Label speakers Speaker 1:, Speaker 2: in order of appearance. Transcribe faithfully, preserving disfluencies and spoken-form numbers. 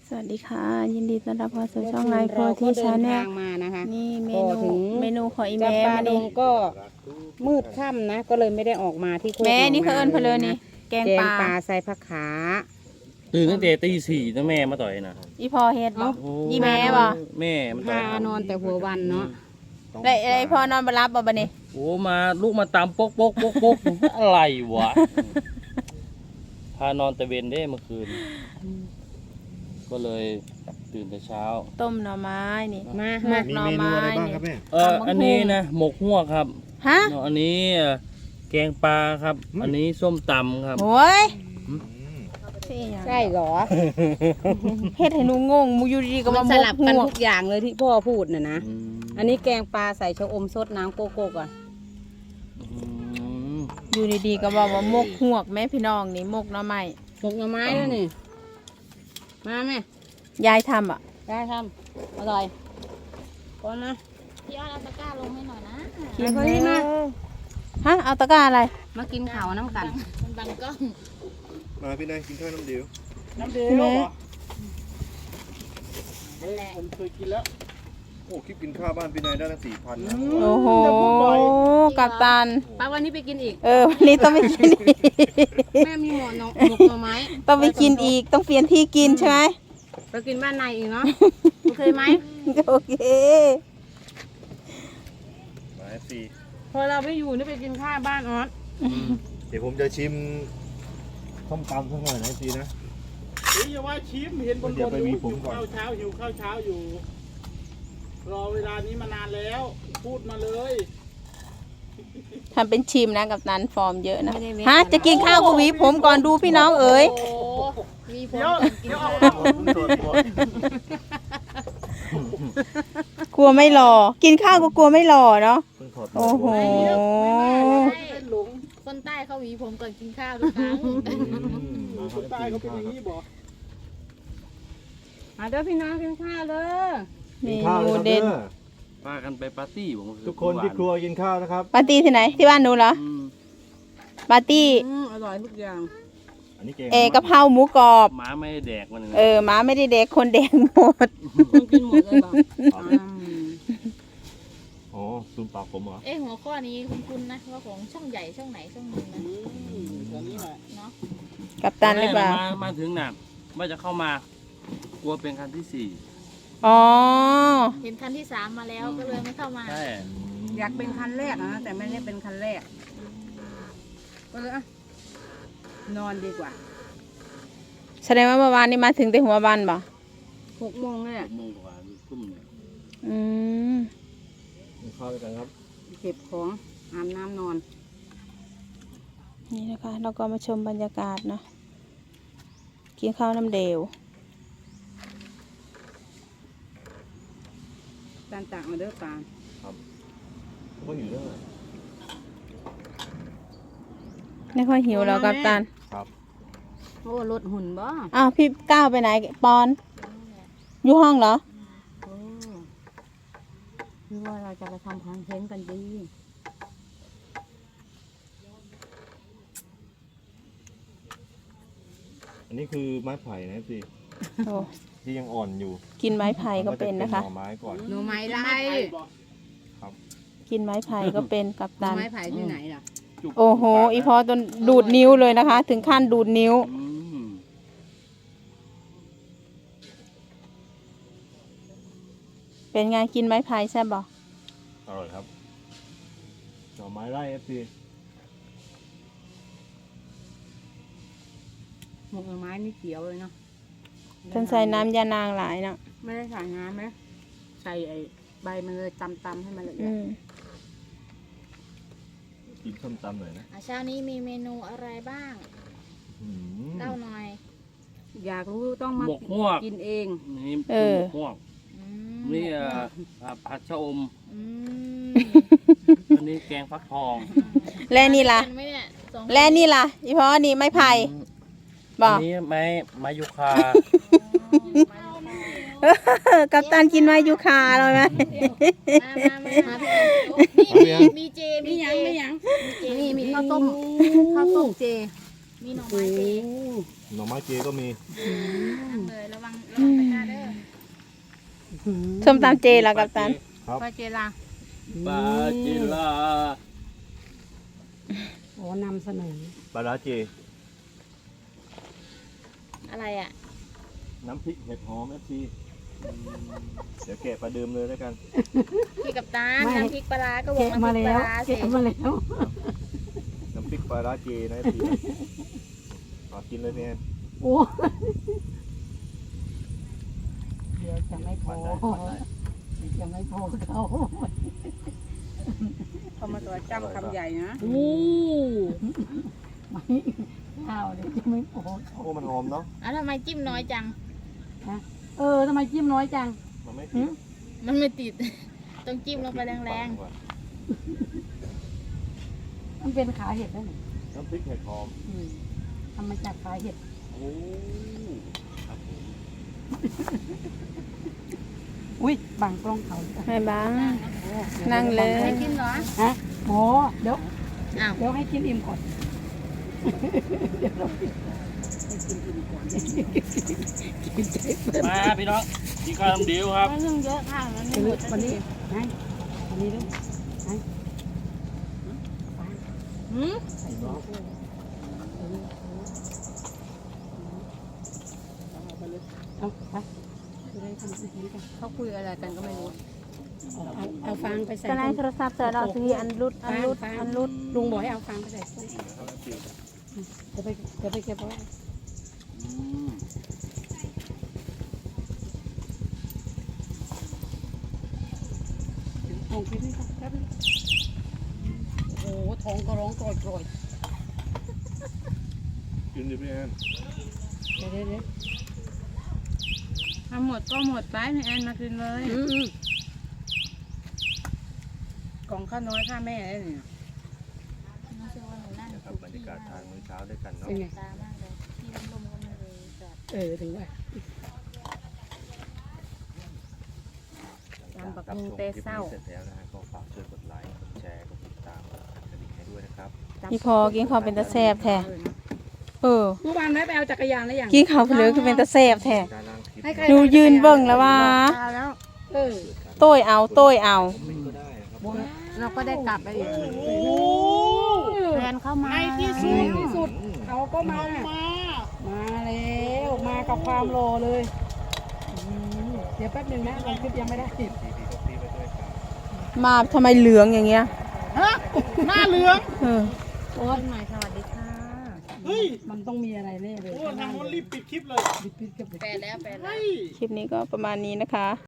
Speaker 1: สวัสดีค่ะยินดีต้อนรับเข้าสู่ช่องไลฟ์โพธิชาแนล
Speaker 2: มานะคะ
Speaker 1: นี่เมนูเมนูของอี
Speaker 2: จับ
Speaker 1: แม่
Speaker 2: ปลา
Speaker 1: มา
Speaker 2: ด
Speaker 1: ดิ
Speaker 2: งก็มืดค่ำนะก็เลยไม่ได้ออกมาที่โคก
Speaker 1: แม่นี่
Speaker 2: ห
Speaker 1: เขาเอิ้นเพลินนี่แกง
Speaker 2: แก
Speaker 1: ป
Speaker 2: ง
Speaker 1: ลา
Speaker 2: ปลาใส่ผักขา
Speaker 3: ตื่นตั้งแต่ตีสี่ตั้งแม่มาต่อยนะ
Speaker 1: อีพอเฮ็ดบ่
Speaker 3: โอ้
Speaker 1: อีแม่บ่
Speaker 3: แม่มาต่
Speaker 2: พา
Speaker 3: อย
Speaker 2: นอนแต่หัววันเนาะ
Speaker 1: ได้ไอ้พอนอนบ่รับบ่บัดนี้
Speaker 3: โอ้มาลูกมาตามปกปกปกปกอะไรวะพานอนแต่เวนได้เมื่อคืน ก็เลยตื่นแต่เช้า
Speaker 1: ต้มหน่อไม้นี่
Speaker 2: มา
Speaker 1: หม
Speaker 2: มาก
Speaker 1: หน่อไม้นี่
Speaker 3: เอออันนี้นะหมกหัวกครับ
Speaker 1: ฮะ
Speaker 3: เนาะอันนี้เอ่อแกงปลาครับ อันนี้ส้มตำครับ
Speaker 1: โอ้ย
Speaker 2: ใช่เหรอ
Speaker 1: เฮ็ดให้หนูงงมูอยู่ดีๆก็
Speaker 2: มั
Speaker 1: มาน หม
Speaker 2: ส
Speaker 1: ก
Speaker 2: ลับ
Speaker 1: หั
Speaker 2: กัน
Speaker 1: ว
Speaker 2: ทุกอย่างเลยที่พ่อพูดน่ะนะ
Speaker 3: อืม
Speaker 2: อันนี้แกงปลาใส่ชะอมสดน้ำโกโก้ก่อน
Speaker 3: อืม
Speaker 1: อยู่ดีๆก็บอกว่าหมกหวกแม่พี่น้องนี่หมกหน่อไม้
Speaker 2: หมกหน่อไม้แล้วนี่มาแม่
Speaker 1: ยายทำอ่ะ
Speaker 2: ได้ทำอร่อยก่อนนะ
Speaker 4: พี่อ้อนเอาตะกร้าลงให้หน่อยนะ
Speaker 2: กินนี่มา
Speaker 1: ฮะเอาตะกร้าอะไร
Speaker 2: มากินข้าวน้ำกัน
Speaker 4: มันบังกล้อง
Speaker 5: มาพี่นายกินข้าวน้ำเดียว
Speaker 3: น้ำเดือ
Speaker 1: พี่แม่
Speaker 3: ผมเคยกินแล้ว
Speaker 5: โอ้คลิปกินข้าวบ้านพี่นายได้ตั้งสี่พันนะ
Speaker 1: โอ้โหกัปตัน
Speaker 2: ป้าวันนี้ไปกินอีก
Speaker 1: เออวันนี้ต้องไปกินอีก
Speaker 2: แม่มีหมอนหมกหน่อไม้
Speaker 1: ต้องไปกินอีกต้องเปลี่ยนที่กินใช่ไหม
Speaker 2: ไปกินบ้านในอีกเนาะ โอเคไหม
Speaker 1: โอเค
Speaker 5: มาเอฟซี
Speaker 2: พอเราไม่อยู่นี่ไปกินข้าวบ้านออส
Speaker 5: เดี๋ยวผมจะชิมส้มตำสักหน่อยนะเอฟซีนะ
Speaker 3: เฮ้ยอย่าว่าชิมเห็นบน
Speaker 5: เดี๋ยวไปมีผมก่อน
Speaker 3: ข้าวเช้าหิวข้าวเช้าอยู่ รอเวลานี้มานานแล้ว พูดมาเลย
Speaker 1: ทำเป็นชิมนะกับนันฟอร์มเยอะนะฮะจะกินข้าวก็หวีผมก่อนดูพี่น้องเอ๋ย
Speaker 4: โอ้มีผล
Speaker 3: เดี๋ยว
Speaker 4: กับกิน
Speaker 3: เดี๋ยว
Speaker 4: ข้า
Speaker 3: เอา
Speaker 4: ว
Speaker 5: ส่วนตัว
Speaker 1: กลัวไม่หล่อกินข้าวก็กลัวไม่หล่อเนาะ
Speaker 5: เพิ่งถอด
Speaker 1: โอ้โห
Speaker 4: เป็นหลงคนใต้เขาหวีผมก่อนกินข้าวทุกครั้ง
Speaker 3: คนใต้เขาเป็นอย่างนี้บอก
Speaker 2: มาเด้อพี่น้องกินข้าวเลย
Speaker 1: เม
Speaker 5: กินข้าว
Speaker 1: นู
Speaker 5: เลยครับ
Speaker 1: เด่น
Speaker 5: เด้อ
Speaker 3: พากันไปปาร์ตี้ผม
Speaker 5: ทุกคนที่ครัวกินข้าวนะครับ
Speaker 1: ปาร์ตี้ที่ไหนที่บ้านหนูเหรอ
Speaker 3: อืม
Speaker 1: ปาร์ตี้
Speaker 2: อืมอร่อยทุกอย่าง
Speaker 5: อันนี้เกง
Speaker 1: เอกะเพราหมูกรอบ
Speaker 3: หมาไม่ได้แดกมัน
Speaker 1: เออหมาไม่ได้เด็กคนแดงหมด
Speaker 2: ต้องกินหมดเลยบอกอืม
Speaker 5: อ๋อซูมปากผมเหรอ
Speaker 4: เอ้หัวข้อนี้คุ้นๆนะว่าของช่องใหญ่ช่องไหนช่องหนึงนะ
Speaker 3: ตอนนี้แหละ
Speaker 4: เนาะ
Speaker 1: กับตันหรือเปล่า
Speaker 3: มามาถึงน่ะว่าจะเข้ามา กลัวเป็นคันที่สี่
Speaker 1: อ๋อ
Speaker 4: เห็นคันที่สามมาแล้วก็เลยไม่เข้ามา
Speaker 3: ใช่
Speaker 2: อยากเป็นคันแรกนะแต่ไม่ได้เป็นคันแรกก็เลยอ่ะนอนดีกว่า
Speaker 1: แสดงว่าเมื่อวานนี้มาถึงแต่หัวบันบ่
Speaker 2: หกโมงเลย
Speaker 3: ห
Speaker 2: อะ
Speaker 3: กโมงกว่าทุ่มเนี่ย
Speaker 1: อืม
Speaker 5: กินข้าวด้วยกันครับ
Speaker 2: เก็บของอาบน้ำนอน
Speaker 1: นี่นะคะเราก็มาชมบรรยากาศเนาะกินข้าวน้ำเดว
Speaker 2: จานตากมาเด้อปลา
Speaker 5: ก็อยู่ด้วย
Speaker 1: ไม่ค่อยหิวแล้วกับตัน
Speaker 5: ครับ
Speaker 2: โอ้รถหุ่นบ่
Speaker 1: อ้าวพี่ก้าวไปไหนปอน อยู่ห้องเหรอ
Speaker 2: โอ้คือว่าเราจะไปทำคอนเทนต์กันดี
Speaker 5: อันนี้คือไม้ไผ่นะเอฟซี
Speaker 1: โอ้
Speaker 5: ที่ยังอ่อนอยู่
Speaker 1: กินไม้ไผ่ก็เป็นนะคะ
Speaker 5: มัจหน่อไม้ก่อน
Speaker 2: หน่อไม้ไล่
Speaker 1: กินไม้ไผ่ก็เป็นกับ
Speaker 2: หน่อ
Speaker 1: ตัน
Speaker 2: ไม้ไผ่ที่ไหนล่ะ
Speaker 3: จุก
Speaker 1: โอ้โห อีพอจนดูดนิ้วเลยนะคะ ถึงขั้นดูดนิ้ว
Speaker 3: อืม
Speaker 1: เป็นไงกินไม้ไผ่ใช่บ่
Speaker 5: อร่อยครับหน่อไม้ไร่เอฟซี
Speaker 2: หมกหน่อไม้นี่เขียวเลยเนาะ
Speaker 1: ท่านใส่น้ำยานางหลายเนาะ
Speaker 2: ไม่ได้ใส่น้ำไหมใส่ไอ้ใบมันเลยตำๆให้มันละเอีย
Speaker 1: อื
Speaker 2: ด
Speaker 1: ม
Speaker 5: กินส้มตำหน่อยนะ
Speaker 4: อ่ะเช้านี้มีเมนูอะไรบ้าง
Speaker 5: อืม
Speaker 4: เล่าหน่อย
Speaker 2: อยากรู้ต้องมา
Speaker 3: หมกฮวก
Speaker 2: กินเอง
Speaker 3: นี่
Speaker 1: เออ
Speaker 3: หมกฮวก
Speaker 4: อืม
Speaker 3: นี่เอ่อผัดชะอม
Speaker 4: อืม
Speaker 3: อันนี้แกงฟักทอง
Speaker 1: และนี่ล่ะ
Speaker 4: ทากัไหมเนี่ยสองคน
Speaker 1: และนี่ล่ะ อีพอนี่ไม้ไผ่บ่
Speaker 3: อันนี้ไม้ไม้ยูคา
Speaker 1: กับตันกินไม้ยูคาเลยไหม
Speaker 4: มามามามาพี่นี่มีมีเจมี
Speaker 2: มีห
Speaker 4: เจ
Speaker 2: ยังมีหยัง
Speaker 4: มีเจ
Speaker 2: นี่มีข้าวต้มข้าวต้มเจ
Speaker 4: มีหน่อไม้เจ
Speaker 5: หน่อไม้เจก็มี
Speaker 4: นั่งเลยระวังระวังตะ
Speaker 1: ส้มตำเจแล้วกัปตัน
Speaker 2: ปลาเจลา
Speaker 3: ปลาจิลา
Speaker 2: โอ้นำเสนอ
Speaker 5: ปลาร้าเจ
Speaker 4: อะไรอ่ะ
Speaker 5: น้ำพริกเห็ดหอมเอฟซีเดี๋ยวแกะปลาดื่มเลยแล้วกัน
Speaker 4: พี่กับตาลน้ำพริกปลาร้าก็วง
Speaker 2: แกะ
Speaker 4: น้ำพ
Speaker 2: มา
Speaker 4: ริกป
Speaker 2: แล้
Speaker 4: ลาว ร้าสิ
Speaker 2: แกะมาแล้ว
Speaker 5: น้ำพริกปลาร้าเจนะเอฟซีขอกินเลยเนี่ย
Speaker 2: โอ้เดี๋ยวจะไม่พอเดี๋ยวจะไม่พอเขาเขามาตัวจ้ำคำใหญ่นะ
Speaker 4: โอ้
Speaker 2: ไม่ข้าวเดี๋ยวจะไม่พอ
Speaker 5: โอ้มันหอมเนาะ
Speaker 4: อ่ะทำไมจิ้มน้อยจัง
Speaker 2: เออทำไมจิ้มน้อยจัง
Speaker 5: มันไม่ติด
Speaker 4: มันไม่ติด ต้องจิ้มลงไปแรง
Speaker 2: มันเป็นขาเห็ดได้ไหม
Speaker 5: น้ำพริกเห็ดหอม
Speaker 2: อืมทำมาจากขาเห็ด
Speaker 5: โอ้ครับผม
Speaker 2: อุ้ยบางกล้องเขา
Speaker 1: ไม่บ้าง นั่งเลย
Speaker 4: ๆไม่กินเหรอ
Speaker 2: ฮะโอ้เดี๋ยว
Speaker 4: อ้าว
Speaker 2: เดี๋ยวให้กินอิ่มก่อนเดี๋ยวเราให้กินอิ่มก่อนกินใจเปิด
Speaker 3: มาพี่น้องกินข้าวน้ำเดียวครับ
Speaker 4: ไม่เรื่องเยอะค่ะมันไม่หมดสัก
Speaker 2: วันนี้
Speaker 4: ที
Speaker 2: ให้วันนี้ด้วยให้
Speaker 4: หืม
Speaker 2: เอาไปจะได้ทำอาหารกัน
Speaker 1: เขาคุยอะไรกันก็ไม่รู้
Speaker 2: เอาเอาเอาฟางไปใส่
Speaker 1: ก็ในโทรศัพท์เสร็จแล้วทีอันรุดอันรุดอันรุด
Speaker 2: ลุงบอกให้เอาฟางไปใส่ต้นเดี๋ยวไปเดี๋ยวไปเก็บไว้ลงคลิปนี้ก่อนแป๊บนึงโอ้โหท้องก็ร้องกรอยกรอย
Speaker 5: กินดิพี่แอน
Speaker 2: เดี๋ยวเดี๋ยวเดี๋ยว
Speaker 1: ทำหมดก็หมดไปพี่แอนมากินเลย
Speaker 2: อืมอืมกล่องข้าวน้อยข้าแม่ได้เนี่ย
Speaker 4: รู้สึกว่าหนูนั่ง
Speaker 5: นะครับบรรยากาศทานมื้อเช้าด้วยกันเนาะ
Speaker 2: เป็นไง
Speaker 4: ตามากเลยที่ลมๆก็ไม่เลยจอด
Speaker 2: เออถึงว่า
Speaker 5: หลังจากรับชมคลิปนี้เสร็จแล้วนะฮะก็ฝากช่วยกดไลค์กดแชร์กดติดตามกดกระดิ่งให้ด้วยนะครับ
Speaker 1: พี่พอกินข้าวเป็นตะแซบแท้เออ
Speaker 2: เมื่อวานแม่ไปเอาจักรยานแล้วยัง
Speaker 1: กินข้าวเพลือคือเป็นตะแซบแท้
Speaker 5: การนั่งคลิป
Speaker 2: ให้ใคร
Speaker 1: ดูยืนเบิ่งแล้วว่า
Speaker 2: เออ
Speaker 1: โต้ยเอาโต้ยเอา
Speaker 5: คอมเมนต์ก็ได้นะครับ
Speaker 2: เราก็ได้กลับไปอีก
Speaker 1: แฟนเข้ามา
Speaker 2: ในที่สุดที่สุดเขาก็มา มาแล้วมากับความรอเลยอืมเดี๋ยวแป๊บหนึงนะลงคลิปยังไม่ได้
Speaker 5: ทีพีก็ตีไปด้วยครับ
Speaker 1: มาทำไมเหลืองอย่างเงี้ย
Speaker 2: หน้าเหลือง
Speaker 1: เออ
Speaker 2: โอ้ยใหม่สวัสดีค่ะเฮ้ยมันต้องมีอะไรแน่เลยโอ้ทางโน้นรีบปิดคลิปเลยปิดปิดคลิปเลย
Speaker 4: แปดแล้วแปดแล้ว
Speaker 1: คลิปนี้ก็ประมาณนี้นะคะ